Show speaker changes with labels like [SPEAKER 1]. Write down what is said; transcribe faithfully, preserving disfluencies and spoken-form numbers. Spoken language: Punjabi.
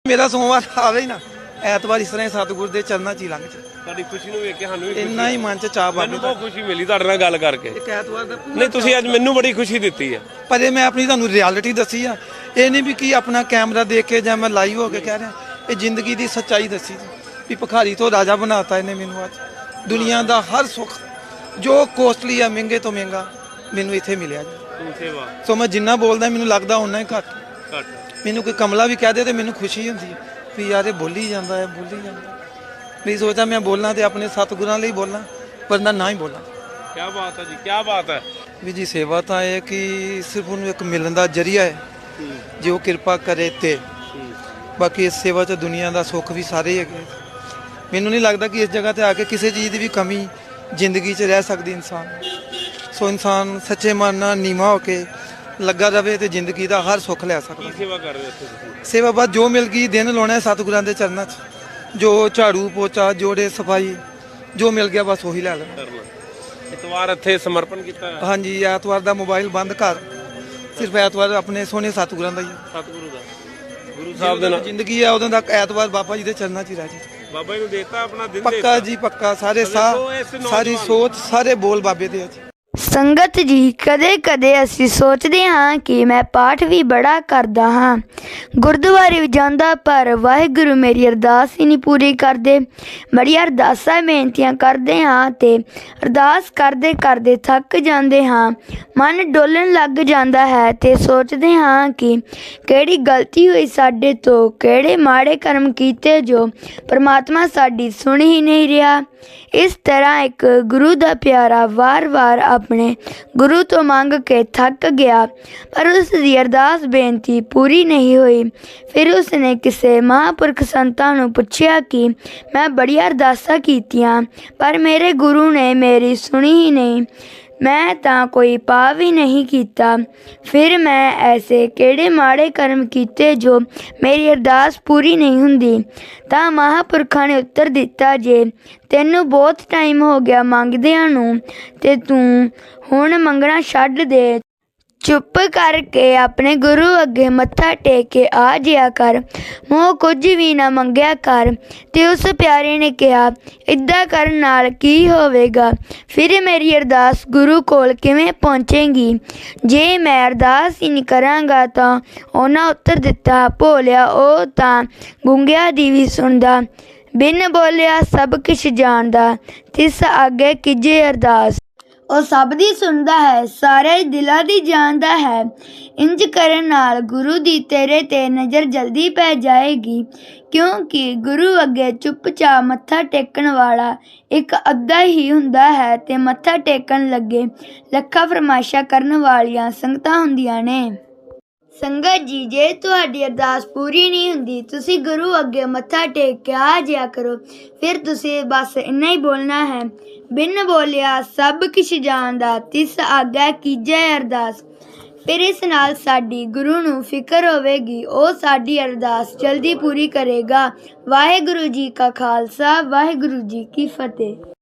[SPEAKER 1] ਮੇਰਾ ਸੋਮਵਾਰ ਆਵੇ ਹੀ ਨਾ, ਐਤਵਾਰ ਇਸ ਤਰ੍ਹਾਂ ਹੀ ਸਤਿਗੁਰ ਦੇ ਚਰਨਾਂ 'ਚ ਹੀ ਲੰਘ ਜਾ।
[SPEAKER 2] ਤੁਹਾਡੀ ਖੁਸ਼ੀ ਨੂੰ ਵੇਖ ਕੇ ਸਾਨੂੰ ਵੀ
[SPEAKER 1] ਇੰਨਾ ਹੀ ਮਨ 'ਚ ਚਾਹ ਪਾ
[SPEAKER 2] ਮੈਨੂੰ ਬਹੁਤ ਖੁਸ਼ੀ ਮਿਲੀ ਤੁਹਾਡੇ ਨਾਲ ਗੱਲ ਕਰਕੇ।
[SPEAKER 1] ਇੱਕ ਐਤਵਾਰ ਦਾ
[SPEAKER 2] ਨਹੀਂ ਤੁਸੀਂ ਅੱਜ ਮੈਨੂੰ ਬੜੀ ਖੁਸ਼ੀ ਦਿੱਤੀ ਹੈ।
[SPEAKER 1] ਪਰ ਇਹ ਮੈਂ ਆਪਣੀ ਤੁਹਾਨੂੰ ਰਿਐਲਿਟੀ ਦੱਸੀ ਆ, ਇਹ ਨਹੀਂ ਵੀ ਕੀ ਆਪਣਾ ਕੈਮਰਾ ਦੇਖ ਕੇ ਜਾਂ ਮੈਂ ਲਾਈਵ ਹੋ ਕੇ ਕਹਿ ਰਿਹਾ, ਇਹ ਜ਼ਿੰਦਗੀ ਦੀ ਸੱਚਾਈ ਦੱਸੀ ਜੀ ਵੀ ਭਿਖਾਰੀ ਤੋਂ ਰਾਜਾ ਬਣਾਤਾ ਇਹਨੇ ਮੈਨੂੰ। ਅੱਜ ਦੁਨੀਆ ਦਾ ਹਰ ਸੁੱਖ ਜੋ ਕੋਸਟਲੀ ਆ, ਮਹਿੰਗੇ ਤੋਂ ਮਹਿੰਗਾ, ਮੈਨੂੰ ਇੱਥੇ ਮਿਲਿਆ ਜੀ।
[SPEAKER 2] ਸੇਵਾ
[SPEAKER 1] ਸੋ ਮੈਂ ਜਿੰਨਾ ਬੋਲਦਾ ਮੈਨੂੰ ਲੱਗਦਾ ਓਨਾ ਹੀ ਘੱਟ।
[SPEAKER 2] ਘੱਟ
[SPEAKER 1] ਮੈਨੂੰ ਕੋਈ ਕਮਲਾ ਵੀ ਕਹਿ ਦੇ ਤੇ ਮੈਨੂੰ ਖੁਸ਼ੀ ਹੁੰਦੀ ਹੈ ਵੀ ਯਾਰ ਇਹ ਬੋਲੀ ਜਾਂਦਾ ਹੈ, ਬੋਲੀ ਜਾਂਦਾ। ਨਹੀਂ ਸੋਚਦਾ ਮੈਂ ਬੋਲਣਾ ਤੇ ਆਪਣੇ ਸਤਿਗੁਰਾਂ ਲਈ ਬੋਲਾਂ, ਵਰਨਾ ਨਾ ਹੀ ਬੋਲਾਂ।
[SPEAKER 2] ਕੀ ਬਾਤ ਹੈ ਜੀ, ਕੀ ਬਾਤ ਹੈ
[SPEAKER 1] ਵੀ ਜੀ। ਸੇਵਾ ਤਾਂ ਇਹ ਕਿ ਸਿਰਫ ਉਹਨੂੰ ਇੱਕ ਮਿਲਣ ਦਾ ਜ਼ਰੀਆ ਹੈ, ਜੇ ਉਹ ਕਿਰਪਾ ਕਰੇ ਤੇ। ਬਾਕੀ ਇਸ ਸੇਵਾ 'ਚ ਦੁਨੀਆ ਦਾ ਸੁੱਖ ਵੀ ਸਾਰੇ ਹੀ ਹੈਗੇ। ਮੈਨੂੰ ਨਹੀਂ ਲੱਗਦਾ ਕਿ ਇਸ ਜਗ੍ਹਾ ਤੇ ਆ ਕੇ ਕਿਸੇ ਚੀਜ਼ ਦੀ ਵੀ ਕਮੀ ਜ਼ਿੰਦਗੀ 'ਚ ਰਹਿ ਸਕਦੀ ਇਨਸਾਨ। ਸੋ ਇਨਸਾਨ ਸੱਚੇ ਮਨ ਨਾਲ ਨੀਵਾਂ ਹੋ ਕੇ ਲੱਗਾ ਰਵੇ ਤੇ ਜ਼ਿੰਦਗੀ ਦਾ ਹਰ ਸੁੱਖ ਲੈ ਸਕਦਾ।
[SPEAKER 2] ਕੀ ਸੇਵਾ ਕਰ ਰਹੇ ਹੋ ਤੁਸੀਂ?
[SPEAKER 1] ਸੇਵਾ ਬਸ ਜੋ ਮਿਲ ਗਈ ਦਿਨ ਲਾਉਣਾ ਸਤਿਗੁਰਾਂ ਦੇ ਚਰਨਾਂ 'ਚ, ਜੋ ਝਾੜੂ ਪੋਚਾ ਜੋੜੇ ਸਫਾਈ ਜੋ ਮਿਲ ਗਿਆ ਬਸ ਉਹੀ ਲੈ ਲੈਣਾ।
[SPEAKER 2] ਐਤਵਾਰ ਇੱਥੇ ਸਮਰਪਣ ਕੀਤਾ ਹੈ।
[SPEAKER 1] ਹਾਂਜੀ, ਐਤਵਾਰ ਦਾ ਮੋਬਾਈਲ ਬੰਦ ਕਰ, ਸਿਰਫ ਐਤਵਾਰ ਆਪਣੇ ਸੋਹਣੇ ਸਤਿਗੁਰਾਂ ਦਾ ਹੀ।
[SPEAKER 2] ਸਤਿਗੁਰੂ ਦਾ, ਗੁਰੂ ਸਾਹਿਬ ਦੇ ਨਾਲ
[SPEAKER 1] ਜ਼ਿੰਦਗੀ ਆ, ਉਦੋਂ ਤੱਕ ਐਤਵਾਰ ਬਾਬਾ ਜੀ ਦੇ ਚਰਨਾਂ 'ਚ ਹੀ ਰਹਿ ਜੀ।
[SPEAKER 2] ਬਾਬਾ ਜੀ ਨੂੰ ਦੇਤਾ ਆਪਣਾ ਦਿਨ
[SPEAKER 1] ਪੱਕਾ ਜੀ ਪੱਕਾ। ਸਾਰੇ ਸਾਹ ਸਾਰੀ ਸੋਚ ਸਾਰੇ ਬੋਲ ਬਾਬੇ ਦੇ ਆ ਜੀ।
[SPEAKER 3] ਸੰਗਤ ਜੀ, ਕਦੇ ਕਦੇ ਅਸੀਂ ਸੋਚਦੇ ਹਾਂ ਕਿ ਮੈਂ ਪਾਠ ਵੀ ਬੜਾ ਕਰਦਾ ਹਾਂ, ਗੁਰਦੁਆਰੇ ਵੀ ਜਾਂਦਾ, ਪਰ ਵਾਹਿਗੁਰੂ ਮੇਰੀ ਅਰਦਾਸ ਹੀ ਨਹੀਂ ਪੂਰੀ ਕਰਦੇ। ਬੜੀਆਂ ਅਰਦਾਸਾਂ ਬੇਨਤੀਆਂ ਕਰਦੇ ਹਾਂ ਤੇ ਅਰਦਾਸ ਕਰਦੇ ਕਰਦੇ ਥੱਕ ਜਾਂਦੇ ਹਾਂ, ਮਨ ਡੋਲਣ ਲੱਗ ਜਾਂਦਾ ਹੈ ਤੇ ਸੋਚਦੇ ਹਾਂ ਕਿ ਕਿਹੜੀ ਗਲਤੀ ਹੋਈ ਸਾਡੇ ਤੋਂ, ਕਿਹੜੇ ਮਾੜੇ ਕਰਮ ਕੀਤੇ ਜੋ ਪਰਮਾਤਮਾ ਸਾਡੀ ਸੁਣ ਹੀ ਨਹੀਂ ਰਿਹਾ। ਇਸ ਤਰ੍ਹਾਂ ਇੱਕ ਗੁਰੂ ਦਾ ਪਿਆਰਾ ਵਾਰ-ਵਾਰ ਆਪਣੇ ਗੁਰੂ ਤੋਂ ਮੰਗ ਕੇ ਥੱਕ ਗਿਆ, ਪਰ ਉਸ ਦੀ ਅਰਦਾਸ ਬੇਨਤੀ ਪੂਰੀ ਨਹੀਂ ਹੋਈ। ਫਿਰ ਉਸਨੇ ਕਿਸੇ ਮਹਾਂਪੁਰਖ ਸੰਤਾਂ ਨੂੰ ਪੁੱਛਿਆ ਕਿ ਮੈਂ ਬੜੀਆਂ ਅਰਦਾਸਾਂ ਕੀਤੀਆਂ, ਪਰ ਮੇਰੇ ਗੁਰੂ ਨੇ ਮੇਰੀ ਸੁਣੀ ਹੀ ਨਹੀਂ, ਮੈਂ ਤਾਂ ਕੋਈ ਪਾਪ ਵੀ ਨਹੀਂ ਕੀਤਾ। ਫਿਰ ਮੈਂ ਐਸੇ ਕਿਹੜੇ ਮਾੜੇ ਕਰਮ ਕੀਤੇ ਜੋ ਮੇਰੀ ਅਰਦਾਸ ਪੂਰੀ ਨਹੀਂ ਹੁੰਦੀ? ਤਾਂ ਮਹਾਂਪੁਰਖਾਂ ਨੇ ਉੱਤਰ ਦਿੱਤਾ, ਜੇ ਤੈਨੂੰ ਬਹੁਤ ਟਾਈਮ ਹੋ ਗਿਆ ਮੰਗਦਿਆਂ ਨੂੰ ਤੇ ਤੂੰ ਹੁਣ ਮੰਗਣਾ ਛੱਡ ਦੇ, ਚੁੱਪ ਕਰਕੇ ਆਪਣੇ ਗੁਰੂ ਅੱਗੇ ਮੱਥਾ ਟੇਕ ਕੇ ਆ ਜਿਆ ਕਰ, ਮੂੰਹ ਕੁਝ ਵੀ ਨਾ ਮੰਗਿਆ ਕਰ। ਤੇ ਉਸ ਪਿਆਰੇ ਨੇ ਕਿਹਾ, ਇੱਦਾਂ ਕਰਨ ਨਾਲ ਕੀ ਹੋਵੇਗਾ? ਫਿਰ ਮੇਰੀ ਅਰਦਾਸ ਗੁਰੂ ਕੋਲ ਕਿਵੇਂ ਪਹੁੰਚੇਗੀ ਜੇ ਮੈਂ ਅਰਦਾਸ ਹੀ ਨਹੀਂ ਕਰਾਂਗਾ? ਤਾਂ ਉਹਨਾਂ ਉੱਤਰ ਦਿੱਤਾ, ਭੋਲਿਆ ਉਹ ਤਾਂ ਗੂੰਗਿਆਂ ਦੀ ਵੀ ਸੁਣਦਾ, ਬਿਨ ਬੋਲਿਆ ਸਭ ਕੁਛ ਜਾਣਦਾ, ਤਿਸ ਅੱਗੇ ਕੀਜੇ ਅਰਦਾਸ। ਉਹ ਸਭ ਦੀ ਸੁਣਦਾ ਹੈ, ਸਾਰੇ ਦਿਲਾਂ ਦੀ ਜਾਣਦਾ ਹੈ। ਇੰਜ ਕਰਨ ਨਾਲ ਗੁਰੂ ਦੀ ਤੇਰੇ 'ਤੇ ਨਜ਼ਰ ਜਲਦੀ ਪੈ ਜਾਏਗੀ, ਕਿਉਂਕਿ ਗੁਰੂ ਅੱਗੇ ਚੁੱਪਚਾਪ ਮੱਥਾ ਟੇਕਣ ਵਾਲਾ ਇੱਕ ਅੱਧਾ ਹੀ ਹੁੰਦਾ ਹੈ ਤੇ ਮੱਥਾ ਟੇਕਣ ਲੱਗੇ ਲੱਖਾਂ ਫਰਮਾਇਸ਼ਾਂ ਕਰਨ ਵਾਲੀਆਂ ਸੰਗਤਾਂ ਹੁੰਦੀਆਂ ਨੇ। ਸੰਗਤ ਜੀ, ਜੇ ਤੁਹਾਡੀ ਅਰਦਾਸ ਪੂਰੀ ਨਹੀਂ ਹੁੰਦੀ, ਤੁਸੀਂ ਗੁਰੂ ਅੱਗੇ ਮੱਥਾ ਟੇਕ ਕੇ ਆ ਜਿਆ ਕਰੋ। ਫਿਰ ਤੁਸੀਂ ਬਸ ਇੰਨਾ ਹੀ ਬੋਲਣਾ ਹੈ, ਬਿਨ ਬੋਲਿਆ ਸਭ ਕੁਛ ਜਾਣਦਾ, ਤਿਸ ਆਗਿਆ ਕੀਜੈ ਅਰਦਾਸ। ਫਿਰ ਇਸ ਨਾਲ ਸਾਡੀ ਗੁਰੂ ਨੂੰ ਫਿਕਰ ਹੋਵੇਗੀ, ਉਹ ਸਾਡੀ ਅਰਦਾਸ ਜਲਦੀ ਪੂਰੀ ਕਰੇਗਾ। ਵਾਹਿਗੁਰੂ ਜੀ ਕਾ ਖਾਲਸਾ, ਵਾਹਿਗੁਰੂ ਜੀ ਕੀ ਫਤਿਹ।